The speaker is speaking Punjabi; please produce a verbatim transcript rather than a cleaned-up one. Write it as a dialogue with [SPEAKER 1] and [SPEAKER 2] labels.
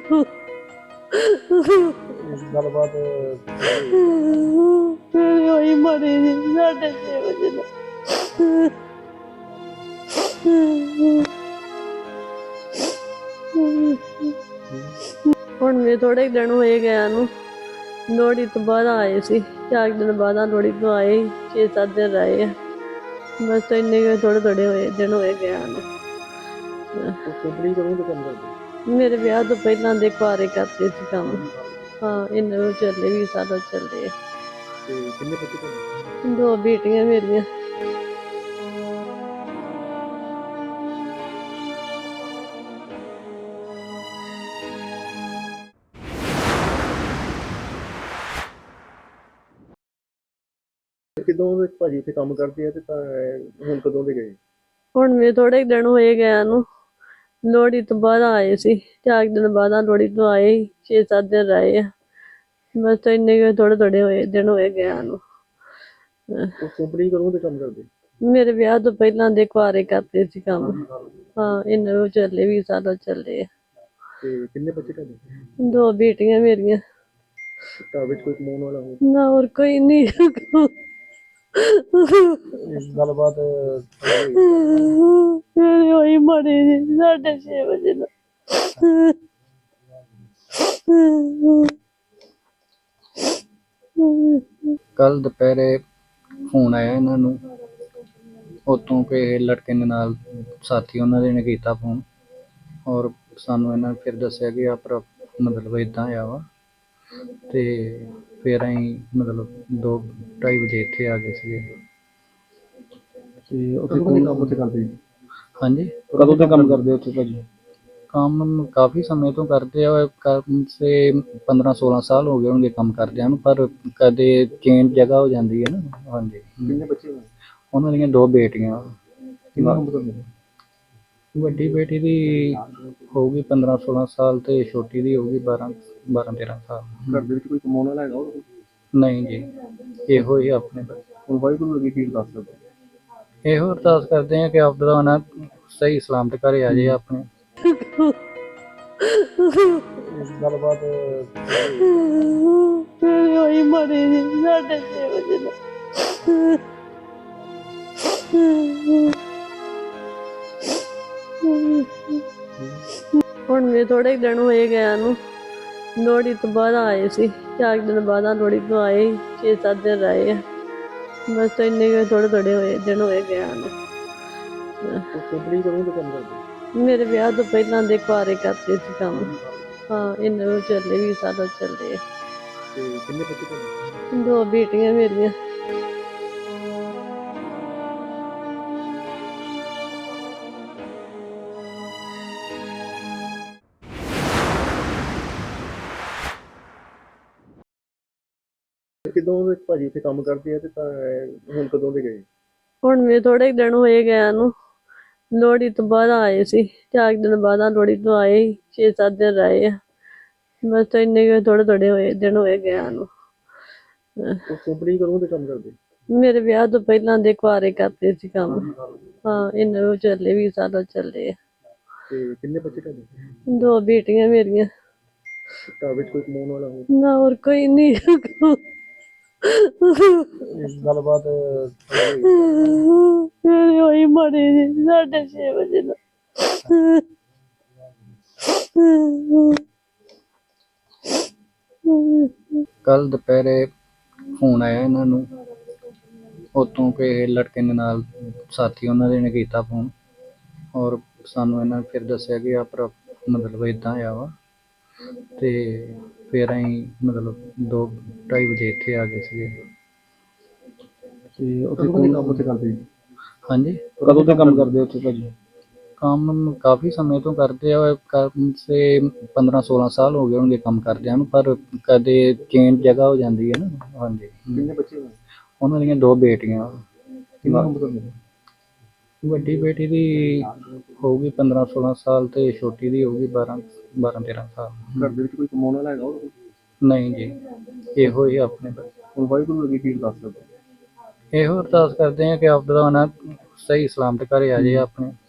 [SPEAKER 1] ਗੱਲਬਾਤ
[SPEAKER 2] ਫਿਰ ਉਹੀ ਮਰੀ ਸੀ ਸਾਢੇ ਛੇ ਵਜੇ ਦਾ। ਹੁਣ ਵੀ ਥੋੜੇ ਦਿਨ ਹੋਏ ਗਿਆ ਨੂੰ। ਲੋਹੜੀ ਤੋਂ ਬਾਅਦ ਆਏ ਸੀ, ਚਾਰ ਦਿਨ ਬਾਅਦ ਲੋਹੜੀ ਤੋਂ ਆਏ, ਛੇ ਸੱਤ ਦਿਨ ਰਹੇ ਆ ਬਸ। ਇੰਨੇ ਕੁ ਥੋੜੇ ਥੋੜੇ ਹੋਏ ਦਿਨ ਹੋਏ ਗਿਆ ਨੂੰ।
[SPEAKER 1] ਕੰਪਨੀ ਕਦੋਂ ਤੋਂ ਕੰਮ ਕਰਦੇ?
[SPEAKER 2] ਮੇਰੇ ਵਿਆਹ ਤੋਂ ਪਹਿਲਾਂ ਦੇ ਕੁਆਰੇ ਕਰਦੇ ਸੀ ਕੰਮ। ਹਾਂ, ਇਹਨਾਂ ਨੂੰ ਚੱਲੇ ਵੀ ਸਾਲ ਚੱਲੇ।
[SPEAKER 1] ਤੇ ਕਿੰਨੇ ਬੱਚੇ ਤੁਹਾਡੇ?
[SPEAKER 2] ਦੋ ਬੇਟੀਆਂ ਮੇਰੀਆਂ।
[SPEAKER 1] ਕਿਦੋਂ ਦੇ ਭਾਜੀ ਇੱਥੇ ਕੰਮ ਕਰਦੇ ਆ ਤੇ ਤਾਂ ਹੁਣ ਕਦੋਂ ਦੇ ਗਏ?
[SPEAKER 2] ਹੁਣ ਵੀ ਥੋੜੇ ਦਿਨ ਹੋਏ ਗਿਆ ਨੂੰ। ਲੋਹੜੀ ਤੋਂ ਬਾਅਦ ਆਏ ਸੀ, ਚਾਰ ਦਿਨ ਬਾਅਦ ਲੋਹੜੀ ਤੋਂ ਆਏ, ਛੇ ਸੱਤ ਦਿਨ ਰਹੇ ਆ ਬਸ। ਇੰਨੇ ਕੁ ਥੋੜੇ ਥੋੜੇ ਹੋਏ ਦਿਨ ਹੋਏ ਗਿਆ ਨੂੰ।
[SPEAKER 1] ਕੰਪਨੀ ਕਦੋਂ ਦੇ ਕੰਮ ਕਰਦੇ?
[SPEAKER 2] ਮੇਰੇ ਵਿਆਹ ਤੋਂ ਪਹਿਲਾਂ ਦੇ ਕੁਆਰੇ ਕਰਦੇ ਸੀ ਕੰਮ। ਹਾਂ, ਇਹਨਾਂ ਨੂੰ ਚੱਲੇ ਵੀ ਸਾਲ ਚੱਲੇ।
[SPEAKER 1] ਤੇ ਕਿੰਨੇ ਬੱਚੇ ਤੁਹਾਡੇ?
[SPEAKER 2] ਦੋ ਬੇਟੀਆਂ ਮੇਰੀਆਂ।
[SPEAKER 1] ਘਰ ਵਿੱਚ ਕੋਈ ਕਮਾਉਣ ਵਾਲਾ ਹੋ?
[SPEAKER 2] ਨਾ, ਹੋਰ ਕੋਈ ਨਹੀਂ।
[SPEAKER 1] ਗੱਲਬਾਤ
[SPEAKER 2] ਫਿਰ ਉਹੀ ਮਰੀ ਸੀ ਸਾਢੇ ਛੇ ਵਜੇ ਦਾ।
[SPEAKER 3] ਕੱਲ ਦੁਪਹਿਰੇ ਫੋਨ ਆਇਆ ਇਹਨਾਂ ਨੂੰ ਉੱਥੋਂ ਕਿ ਲੜਕੇ ਦੇ ਨਾਲ ਸਾਥੀ ਉਹਨਾਂ ਦੇ ਨੇ ਕੀਤਾ ਫੋਨ, ਔਰ ਸਾਨੂੰ ਇਹਨਾਂ ਨੇ ਫਿਰ ਦੱਸਿਆ ਕਿ ਆ ਪਰ ਮਤਲਬ ਇੱਦਾਂ ਆ ਵਾ। ਅਤੇ ਫਿਰ ਅਸੀਂ ਮਤਲਬ ਦੋ ਢਾਈ ਵਜੇ ਇੱਥੇ ਆ ਗਏ ਸੀਗੇ।
[SPEAKER 1] ਤੇ ਉੱਥੇ ਕਦੋਂ ਕੰਮ ਉੱਥੇ ਕਰਦੇ?
[SPEAKER 3] ਹਾਂਜੀ,
[SPEAKER 1] ਕਦੋਂ ਤੋਂ ਕੰਮ ਕਰਦੇ ਉੱਥੇ ਭਾਜੀ?
[SPEAKER 3] ਕੰਮ ਕਾਫੀ ਸਮੇਂ ਤੋਂ ਕਰਦੇ ਆ, ਕਮ ਸੇ ਪੰਦਰਾਂ ਸੋਲਾਂ ਸਾਲ ਹੋ ਗਏ ਹੋਣਗੇ ਕੰਮ ਕਰਦਿਆਂ ਨੂੰ, ਪਰ ਕਦੇ ਚੇਂਜ ਜਗ੍ਹਾ ਹੋ ਜਾਂਦੀ ਹੈ ਨਾ। ਹਾਂਜੀ।
[SPEAKER 1] ਕਿੰਨੇ ਬੱਚੇ ਹੋਏ?
[SPEAKER 3] ਉਹਨਾਂ ਦੀਆਂ ਦੋ ਬੇਟੀਆਂ।
[SPEAKER 1] ਕਿੰਨਾ ਕੰਮ ਕਰਦੇ?
[SPEAKER 3] ਵੱਡੀ ਬੇਟੀ ਦੀ ਹੋਊਗੀ ਪੰਦਰਾਂ ਸੋਲਾਂ ਸਾਲ ਅਤੇ ਛੋਟੀ ਦੀ ਹੋਊਗੀ ਬਾਰਾਂ ਬਾਰਾਂ ਤੇਰਾਂ ਸਾਲ।
[SPEAKER 1] ਘਰ ਦੇ ਵਿੱਚ ਕੋਈ ਕਮਾਉਣ ਵਾਲਾ ਹੈਗਾ ਉਹ?
[SPEAKER 3] ਨਹੀਂ ਜੀ, ਇਹੋ ਹੀ ਆਪਣੇ
[SPEAKER 1] ਹੁਣ ਵਾਹਿਗੁਰੂ ਅੱਗੇ ਕੀ ਅਰਦਾਸ ਕਰਦੇ?
[SPEAKER 3] ਇਹੋ ਅਰਦਾਸ ਕਰਦੇ ਹਾਂ ਕਿ ਆਪਦਾ ਨਾ ਸਹੀ ਸਲਾਮਤ ਘਰੇ ਆ ਜਾਏ ਆਪਣੇ।
[SPEAKER 1] ਗੱਲਬਾਤ
[SPEAKER 2] ਫਿਰ ਉਹੀ ਮਰੀ ਸੀ ਸਾਢੇ ਛੇ ਵਜੇ ਦਾ। ਹੁਣ ਵੀ ਥੋੜੇ ਦਿਨ ਹੋਏ ਗਿਆ ਨੂੰ। ਲੋਹੜੀ ਤੋਂ ਬਾਅਦ ਆਏ ਸੀ, ਚਾਰ ਦਿਨ ਬਾਅਦ ਲੋਹੜੀ ਤੋਂ ਆਏ, ਛੇ ਸੱਤ ਦਿਨ ਰਹੇ ਆ ਬਸ। ਇੰਨੇ ਕੁ ਥੋੜੇ ਥੋੜੇ ਹੋਏ ਦਿਨ ਹੋਏ ਗਿਆ ਨੂੰ।
[SPEAKER 1] ਕੰਪਨੀ ਕਦੋਂ ਤੋਂ ਕੰਮ ਕਰਦੇ?
[SPEAKER 2] ਮੇਰੇ ਵਿਆਹ ਤੋਂ ਪਹਿਲਾਂ ਦੇ ਕੁਆਰੇ ਕਰਦੇ ਸੀ ਕੰਮ। ਹਾਂ, ਇਹਨਾਂ ਨੂੰ ਚੱਲੇ ਵੀ ਸਾਲ ਚੱਲੇ।
[SPEAKER 1] ਤੇ ਕਿੰਨੇ ਬੱਚੇ ਤੁਹਾਡੇ?
[SPEAKER 2] ਦੋ ਬੇਟੀਆਂ ਮੇਰੀਆਂ।
[SPEAKER 1] ਕਿਦੋਂ ਦੇ ਭਾਜੀ ਇੱਥੇ ਕੰਮ ਕਰਦੇ ਆ ਤੇ ਤਾਂ ਹੁਣ ਕਦੋਂ ਦੇ ਗਏ?
[SPEAKER 2] ਹੁਣ ਵੀ ਥੋੜੇ ਦਿਨ ਹੋਏ ਗਿਆ ਨੂੰ। ਲੋਹੜੀ ਤੋਂ ਬਾਅਦ ਆਏ ਸੀ, ਚਾਰ ਦਿਨ ਬਾਅਦ ਲੋਹੜੀ ਤੋਂ ਆਏ, ਛੇ ਸੱਤ ਦਿਨ ਰਹੇ ਆ ਬਸ। ਇੰਨੇ ਕੁ ਥੋੜੇ ਥੋੜੇ ਹੋਏ ਦਿਨ ਹੋਏ ਗਿਆ ਨੂੰ।
[SPEAKER 1] ਕੰਪਨੀ ਕਦੋਂ ਦੇ ਕੰਮ ਕਰਦੇ?
[SPEAKER 2] ਮੇਰੇ ਵਿਆਹ ਤੋਂ ਪਹਿਲਾਂ ਦੇ ਕੁਆਰੇ ਕਰਦੇ ਸੀ ਕੰਮ। ਹਾਂ, ਇਹਨਾਂ ਨੂੰ ਚੱਲੇ ਵੀ ਸਾਲ ਚੱਲੇ।
[SPEAKER 1] ਤੇ ਕਿੰਨੇ ਬੱਚੇ ਤੁਹਾਡੇ?
[SPEAKER 2] ਦੋ ਬੇਟੀਆਂ ਮੇਰੀਆਂ।
[SPEAKER 1] ਘਰ ਵਿੱਚ ਕੋਈ ਕਮਾਉਣ ਵਾਲਾ ਹੋ?
[SPEAKER 2] ਨਾ, ਹੋਰ ਕੋਈ ਨਹੀਂ।
[SPEAKER 1] ਗੱਲਬਾਤ
[SPEAKER 2] ਫਿਰ ਉਹੀ ਮਰੀ ਸੀ ਸਾਢੇ ਛੇ ਵਜੇ ਦਾ।
[SPEAKER 3] ਕੱਲ ਦੁਪਹਿਰੇ ਫੋਨ ਆਇਆ ਇਹਨਾਂ ਨੂੰ ਉੱਥੋਂ ਕਿ ਲੜਕੇ ਦੇ ਨਾਲ ਸਾਥੀ ਉਹਨਾਂ ਦੇ ਨੇ ਕੀਤਾ ਫੋਨ, ਔਰ ਸਾਨੂੰ ਇਹਨਾਂ ਨੇ ਫਿਰ ਦੱਸਿਆ ਕਿ ਆ ਪਰ ਮਤਲਬ ਇੱਦਾਂ ਆ ਵਾ। ਅਤੇ ਫਿਰ ਅਸੀਂ ਮਤਲਬ ਦੋ ਢਾਈ ਵਜੇ ਇੱਥੇ ਆ ਗਏ ਸੀਗੇ।
[SPEAKER 1] ਤੇ ਉੱਥੇ ਕਦੋਂ ਕੰਮ ਉੱਥੇ ਕਰਦੇ?
[SPEAKER 3] ਹਾਂਜੀ,
[SPEAKER 1] ਕਦੋਂ ਤੋਂ ਕੰਮ ਕਰਦੇ ਉੱਥੇ ਭਾਜੀ?
[SPEAKER 3] ਕੰਮ ਕਾਫੀ ਸਮੇਂ ਤੋਂ ਕਰਦੇ ਆ, ਕਮ ਸੇ ਪੰਦਰਾਂ ਸੋਲਾਂ ਸਾਲ ਹੋ ਗਏ ਹੋਣਗੇ ਕੰਮ ਕਰਦਿਆਂ ਨੂੰ, ਪਰ ਕਦੇ ਚੇਂਜ ਜਗ੍ਹਾ ਹੋ ਜਾਂਦੀ ਹੈ ਨਾ। ਹਾਂਜੀ।
[SPEAKER 1] ਕਿੰਨੇ ਬੱਚੇ ਹੋਏ?
[SPEAKER 3] ਉਹਨਾਂ ਦੀਆਂ ਦੋ ਬੇਟੀਆਂ।
[SPEAKER 1] ਕਿੰਨਾ ਕੰਮ ਕਰਦੇ?
[SPEAKER 3] ਵੱਡੀ ਬੇਟੀ ਦੀ ਹੋਊਗੀ ਪੰਦਰਾਂ ਸੋਲਾਂ ਸਾਲ ਅਤੇ ਛੋਟੀ ਦੀ ਹੋਊਗੀ ਬਾਰਾਂ ਬਾਰਾਂ ਤੇਰਾਂ ਸਾਲ।
[SPEAKER 1] ਘਰ ਦੇ ਵਿੱਚ ਕੋਈ ਕਮਾਉਣ ਵਾਲਾ ਹੈਗਾ ਉਹ?
[SPEAKER 3] ਨਹੀਂ ਜੀ, ਇਹੋ ਹੀ ਆਪਣੇ।
[SPEAKER 1] ਹੁਣ ਵਾਹਿਗੁਰੂ ਅੱਗੇ ਕੀ ਅਰਦਾਸ ਕਰਦੇ?
[SPEAKER 3] ਇਹੋ ਅਰਦਾਸ ਕਰਦੇ ਹਾਂ ਕਿ ਆਪਦਾ ਨਾ ਸਹੀ ਸਲਾਮਤ ਘਰੇ ਆ ਜਾਏ ਆਪਣੇ।